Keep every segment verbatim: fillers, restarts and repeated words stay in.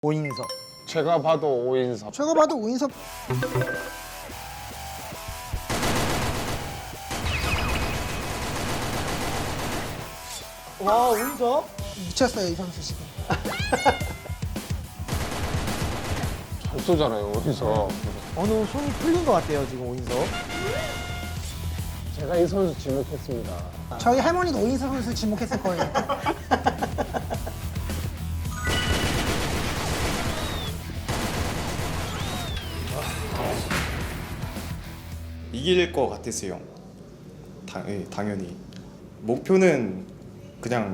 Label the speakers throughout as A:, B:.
A: 오인섭.
B: 제가 봐도 오인섭.
C: 제가 봐도 오인섭.
A: 와, 오인섭?
C: 미쳤어요 이 선수 지금.
B: 잘 쏘잖아요, 오인섭.
A: 어느 손이 풀린 것 같아요, 지금 오인섭.
B: 제가 이 선수 지목했습니다.
C: 저희 할머니도 오인섭 선수 지목했을 거예요.
D: 이길 것 같았어요. 당, 예, 당연히. 목표는 그냥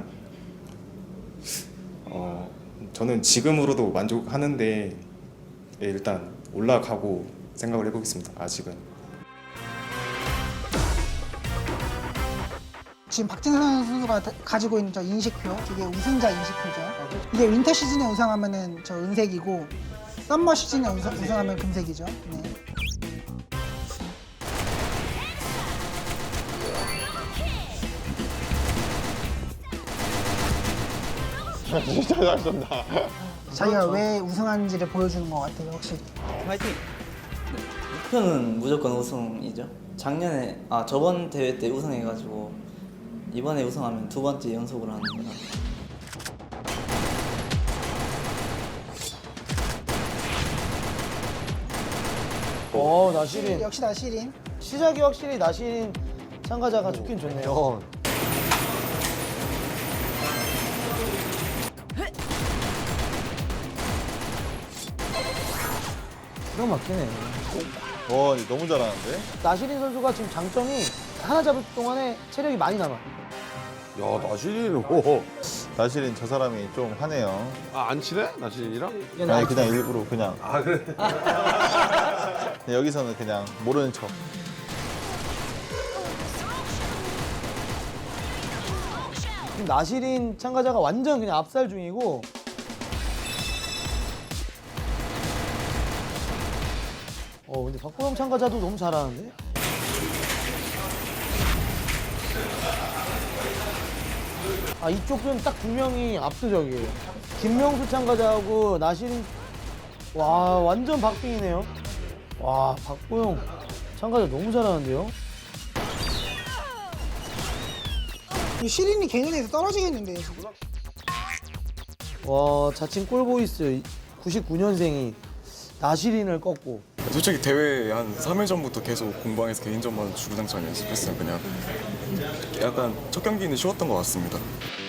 D: 어, 저는 지금으로도 만족하는데 예, 일단 올라가고 생각을 해보겠습니다. 아직은.
C: 지금 박진선 선수가 다- 가지고 있는 저 인식표, 이게 우승자 인식표죠. 이게 윈터 시즌에 우승하면은 저 은색이고, 썸머 시즌에 우승, 우승하면 금색이죠. 네.
B: 진짜 잘 쏜다.
C: 자기가 왜 우승하는지를 보여주는 것 같아요, 확실히.
E: 화이팅! 목표는 무조건 우승이죠. 작년에 아 저번 대회 때 우승해가지고 이번에 우승하면 두 번째 연속으로 하는 거라.
A: 어, 나시린.
C: 역시 나시린.
A: 시작이 확실히 나시린 참가자가 좋긴 좋네요. 기가 막히네.
F: 와, 너무 잘하는데?
A: 나시린 선수가 지금 장점이 하나 잡을 동안에 체력이 많이 남아.
F: 야, 나시린, 오. 나시린 저 사람이 좀 하네요.
B: 아, 안 친해? 나시린이랑?
F: 아니, 그냥 일부러 그냥. 아, 그래? 여기서는 그냥 모르는 척.
A: 지금 나시린 참가자가 완전 그냥 압살 중이고. 어, 근데 박보영 참가자도 너무 잘하는데? 아, 이쪽은 딱 두 명이 압도적이에요. 김명수 참가자하고 나시린, 와, 완전 박빙이네요. 와, 박보영 참가자 너무 잘하는데요?
C: 이 시린이 개인에서 떨어지겠는데요, 지금.
A: 와, 자칭 꼴보이스 구십구 년생이 나시린을 꺾고.
G: 솔직히 대회 한 삼 일 전부터 계속 공방에서 개인전만 주구장창 연습했어요. 그냥 약간 첫 경기는 쉬웠던 것 같습니다.